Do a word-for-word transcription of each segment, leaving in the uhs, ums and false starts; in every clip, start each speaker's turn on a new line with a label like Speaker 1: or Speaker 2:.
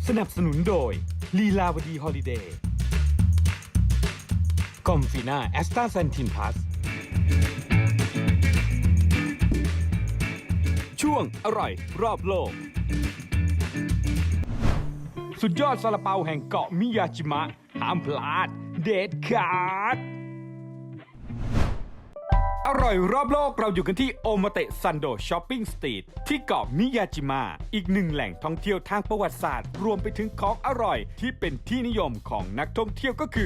Speaker 1: สนับสนุนโดยลีลาวดีฮอลิเดย์กอมฟีน่าแอสตาเซนทินพลัสช่วงอร่อยรอบโลกสุดยอดซาลาเปาแห่งเกาะมิยาจิมะห้ามพลาดเด็ดขาดอร่อยรอบโลกเราอยู่กันที่โอมาเตะซันโดช้อปปิ้งสตรีทที่เกาะมิยาจิมะอีกหนึ่งแหล่งท่องเที่ยวทางประวัติศาสตร์รวมไปถึงของอร่อยที่เป็นที่นิยมของนักท่องเที่ยวก็คือ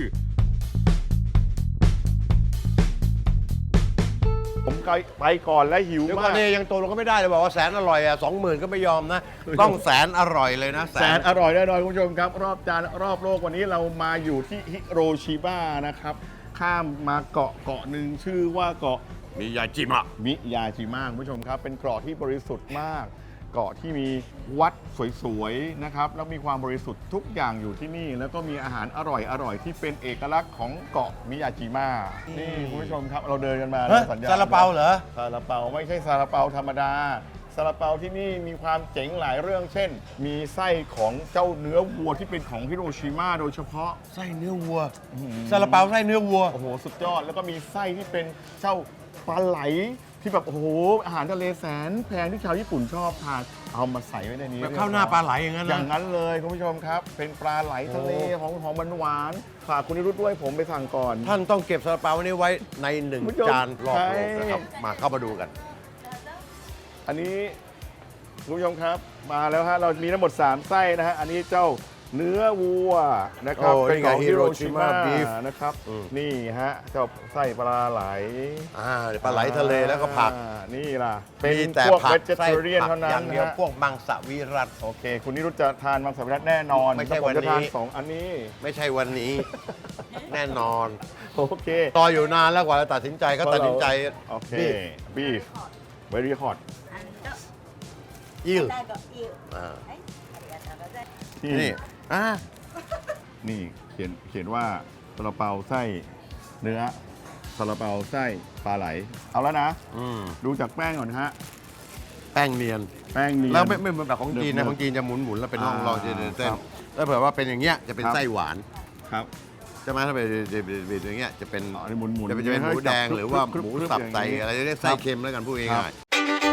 Speaker 2: ผมไปก่อนแล้วหิว
Speaker 3: เดี๋ยว
Speaker 2: มา
Speaker 3: ก่อน
Speaker 2: ก
Speaker 3: เนี่ยยังโตเราก็ไม่ได้เลยบอกว่าแสนอร่อยอ่ะสองหมื่นก็ไม่ยอมนะ ต้องแสนอร่อยเลยนะ
Speaker 2: แสนอร่อยแน่นอนคุณผู้ชมครับ รอบจานรอบโลกวันนี้เรามาอยู่ที่ฮิโรชิมานะครับ ข้ามมาเกาะเกาะหนึ่งชื่อว่าเกาะ
Speaker 3: มียาจิมะ
Speaker 2: มิยาจิมะคุณผู้ชมครับ เป็นเกาะที่บริสุทธิ์มาก เกาะที่มีวัดสวยๆนะครับแล้วมีความบริสุทธิ์ทุกอย่างอยู่ที่นี่ แล้วก็มีอาหารอร่อยๆที่เป็นเอกลักษณ์ของเกาะมิยาจิมะนี่คุณผู้ชมครับเราเดินกันมา
Speaker 3: เฮ้ย
Speaker 2: สัญญาณ
Speaker 3: ซาลาเปาเหรอ
Speaker 2: ซาลาเปาไม่ใช่ซาลาเปาธรรมดาซาลาเปาที่นี่มีความเจ๋งหลายเรื่องเช่น มีไส้ของเจ้าเนื้อวัวที่เป็นของฮิโรชิมาโดยเฉพาะ
Speaker 3: ไส้เนื้อวัวซาลาเปาไส้เนื้อวัว
Speaker 2: โอ้โหสุดยอดแล้วก็มีไส้ที่เป็นเจ้าปลาไหลที่แบบโอ้โหอาหารทะเลแสนแพงที่ชาวญี่ปุ่นชอบทานเอามาใส่ไว้ในนี้
Speaker 3: แบบข้าวหน้าปลาไหลอย่างนั้น
Speaker 2: อ
Speaker 3: นะ
Speaker 2: ย่างนั้นเลยคุณผู้ชมครับ เป็นปลาไหลทะเลของหอมหวานๆฝากคุณนิรุตด้วยผมไปสั่งก่อน
Speaker 3: ท่านต้องเก็บซาลาเปานี้ไว้ในหนึ่ง
Speaker 2: คุณผู้ชม
Speaker 3: จานรอบโลก
Speaker 2: ใช่
Speaker 3: นะครับ มาเข้ามาดูกัน
Speaker 2: อันนี้คุณผู้ชมครับมาแล้วฮะเรามีทั้งหมดสามไส้นะฮะอันนี้เจ้าเนื้อวัวนะครับ
Speaker 3: โอ้
Speaker 2: เป็นของ
Speaker 3: นี่ไง
Speaker 2: ฮิโรชิมา
Speaker 3: Hiroshima beef
Speaker 2: นะครับ
Speaker 3: อืม
Speaker 2: นี่ฮะเจ้าไส้ปลาไหล
Speaker 3: อ่าปลาไหลทะเลแล้วก็ผัก
Speaker 2: อ่านี่ล่ะเป็น
Speaker 3: มีแต่
Speaker 2: พวก
Speaker 3: ผั
Speaker 2: เว
Speaker 3: ก
Speaker 2: จเทเรียน
Speaker 3: ไส้ผัก
Speaker 2: เท่านั้
Speaker 3: อน ย่างเดียว
Speaker 2: นะฮะ
Speaker 3: พวกมังสวิรัต
Speaker 2: โอเค คุณนิรุตจะทานมังสวิรัติแน่นอน
Speaker 3: ไม่ใช่
Speaker 2: แต่ผจะ
Speaker 3: วันนี้
Speaker 2: ทานสองอันนี้
Speaker 3: ไม่ใช่วันนี้ แน่นอน
Speaker 2: โอเค
Speaker 3: ต่ออยู่นานแล้วกว่าจะตัดสินใจก็ตัดสินใจ
Speaker 2: โอเค
Speaker 3: บีฟ
Speaker 2: บีฟ very hot
Speaker 3: อิล
Speaker 4: 最後いい
Speaker 3: อ่า
Speaker 4: はいありがとうございます
Speaker 2: นี่
Speaker 3: นี่อ่า
Speaker 2: นี่เขียนเขียนว่าซาลาเปาไส้เนื้อซาลาเปาไส้ปลาไหล เอาแล้วนะ
Speaker 3: อืม
Speaker 2: ดูจากแป้งก่อนฮะ
Speaker 3: แป้งเนียน
Speaker 2: แป้งเนียน
Speaker 3: แล้วไม่ไม่เหมือนแบบของจีนนะ
Speaker 2: เดิมๆ
Speaker 3: ของจีนจะหมุนหมุนๆแล้วเป็นร่อง
Speaker 2: อ่า
Speaker 3: ร่องเส้นเส้น
Speaker 2: ครับ
Speaker 3: แล้วเผื่อว่าเป็นอย่างเงี้ยจะเป็น
Speaker 2: ครับ
Speaker 3: ไส้หวาน
Speaker 2: ครับ
Speaker 3: ใช่ไหมถ้าเป็นเป็นอย่างเงี้ยจะเป็น
Speaker 2: อ๋ออันนี้หมุนๆ
Speaker 3: จะเป็นจะเป็นหมูแดงหรือว่า
Speaker 2: ครึบ
Speaker 3: หมู
Speaker 2: ครึบ
Speaker 3: สับ
Speaker 2: อย่างนี้
Speaker 3: ใส่อะไรเรียกไส้เค็มแล้วกันพูด
Speaker 2: ครั
Speaker 3: ง่า
Speaker 2: บ
Speaker 3: ยๆ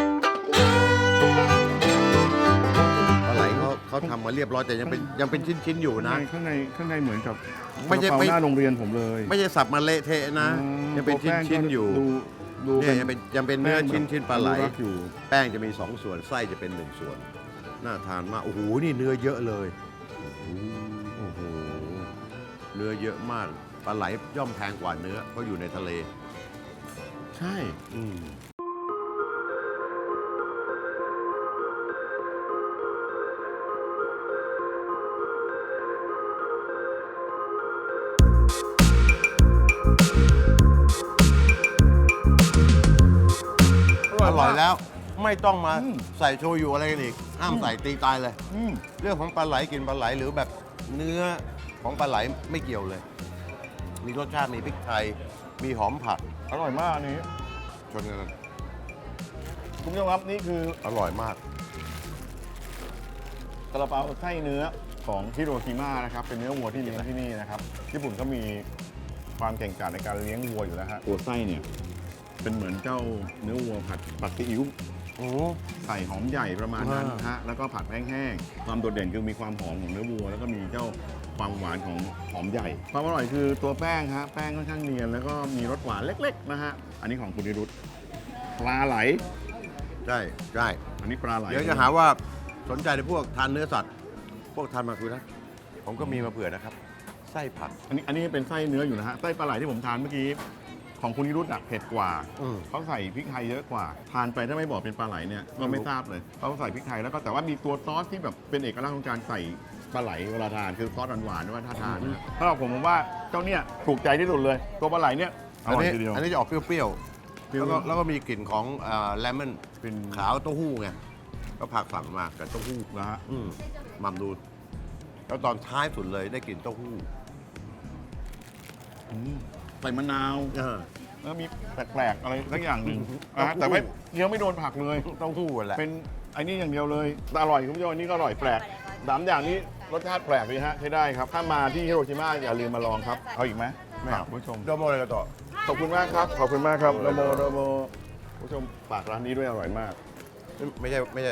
Speaker 3: ปลาไหลเขาเขาทำมาเรียบร้อยแต่ยังเป็นยังเป็นชิ้นชิ้นๆอยู่นะ
Speaker 2: ข้างในข้างในเหมือนกับ
Speaker 3: ไม่ใช่
Speaker 2: ซาลาเปา
Speaker 3: ไม่
Speaker 2: หน้าโรงเรียนผมเลย
Speaker 3: ไม่ใช่สับมาเละเทะนะ
Speaker 2: อืม
Speaker 3: ยังเป็นชิ้น
Speaker 2: ตัวแป้ง
Speaker 3: ชิ้น
Speaker 2: ก็
Speaker 3: อยู่
Speaker 2: ดูดู
Speaker 3: เนี่ยยังเป็นยังเป็นเนื้อ
Speaker 2: แป้ง
Speaker 3: ชิ้นชิ้นปลาไหล
Speaker 2: อนุรักษ์อยู่
Speaker 3: แป้งจะมีสองส่วนไส้จะเป็นหนึ่งส่วน น่าทานมาก โอ้โห นี่เนื้อเยอะเลย โอ้โห เนื้อเยอะมาก ปลาไหลย่อมแพงกว่าเนื้อเพราะอยู่ในทะเล
Speaker 2: ใช่
Speaker 3: อืมอร่อยแล้ว ไม่ต้องมาใส่โชยุอะไรกันอีก ห้ามใส่ตีตายเลย
Speaker 2: อืม
Speaker 3: เรื่องของปลาไหลกินปลาไหลหรือแบบเนื้อของปลาไหลไม่เกี่ยวเลย มีรสชาติมีพริกไทย มีหอมผัก
Speaker 2: อร่อยมากอันนี้
Speaker 3: ชนกัน
Speaker 2: คุณผู้ชมครับนี่คือ
Speaker 3: อร่อยมาก
Speaker 2: ซาลาเปาไส้เนื้อของฮิโรชิมานะครับเป็นเนื้อวัวที่เลี้ยงที่นี่นะครับญี่ปุ่นก็มีความเก่งกาจในการเลี้ยงวัวอยู่แล้วฮะตัวไส้เนี่ยเป็นเหมือนเจ้าเนื้อวัวผัดผัดซีอิ๊ว
Speaker 3: โอ้
Speaker 2: ใส่หอมใหญ่ประมาณนั้น
Speaker 3: อ่า
Speaker 2: ฮะแล้วก็ผัดแห้งๆความโดดเด่นคือมีความหอมของเนื้อวัว แล้วก็มีเจ้าความหวานของหอมใหญ่ความอร่อยคือตัวแป้งฮะแป้งค่อนข้างเนียนแล้วก็มีรสหวานเล็กๆนะฮะอันนี้ของคุณนิรุตปลาไหล
Speaker 3: ใช่ใช่
Speaker 2: อันนี้ปลาไหล
Speaker 3: เดี๋ยวจะหาว่าสนใจในพวกทานเนื้อสัตว์ พวกทานมาคือนะ ผมก็มีมาเผื่อนะครับ ไส้ผัก
Speaker 2: อันนี้อันนี้เป็นไส้เนื้ออยู่นะฮะไส้ปลาไหลที่ผมทานเมื่อกี้ของคุณนิรุตอะเผ็ดกว่า
Speaker 3: อืม
Speaker 2: เขาใส่พริกไทยเยอะกว่า ทานไปถ้าไม่บอกเป็นปลาไหลเนี่ยก็ไม่ทราบเลยเขาใส่พริกไทยแล้วก็แต่ว่ามีตัวซอสที่แบบเป็นเอกลักษณ์ของการใส่ปลาไหลเวลาทานคือซอสหวานๆด้วยถ้าทานนะถ้าเราผมผมว่าเจ้าเนี่ยถูกใจที่สุดเลย ตัวปลาไหลเนี่ยอ
Speaker 3: อัน
Speaker 2: ร่อย
Speaker 3: นี้
Speaker 2: ทีเดียว
Speaker 3: อันนี้จะออกเปรี้ยว
Speaker 2: เปรี้
Speaker 3: ๆ
Speaker 2: ยว
Speaker 3: แล้วก็แล้วก็มีกลิ่นของเลมอน
Speaker 2: เป็น
Speaker 3: ขาวเต้าหู้ไง ก็ผักฝังมากับเต้าหู้
Speaker 2: นะฮะ
Speaker 3: อืมมัมดู แล้วตอนท้ายสุดเลยได้กลิ่นเต้าหู้
Speaker 2: อืมใส่มะนาว
Speaker 3: เออ
Speaker 2: แล้วมีแปลกๆอะไรสักอย่างหนึ่ง
Speaker 3: อืม
Speaker 2: นะฮะแต่ไม่เคี้ยวไม่โดนผักเลย
Speaker 3: เต้าหู้แหละ
Speaker 2: เป็นไอ้นี่อย่างเดียวเลยแต่อร่อยคุณผู้ชมอันนี้ก็อร่อยแปลกสามอย่างนี้รสชาติแปลกดีฮะใช้ได้ครับ ถ้ามาที่ฮิโรชิมาอย่าลืมมาลองครับ เอาอีกไหมไม่เอาผู้ชม
Speaker 3: โดโมเลยกันต่อ
Speaker 2: ขอบคุณมากครับ ขอบคุณมากครับโดโมโดโมผู้ชมฝากร้านนี้ด้วยอร่อยมาก
Speaker 3: ไม่ใช่ไม่ใช่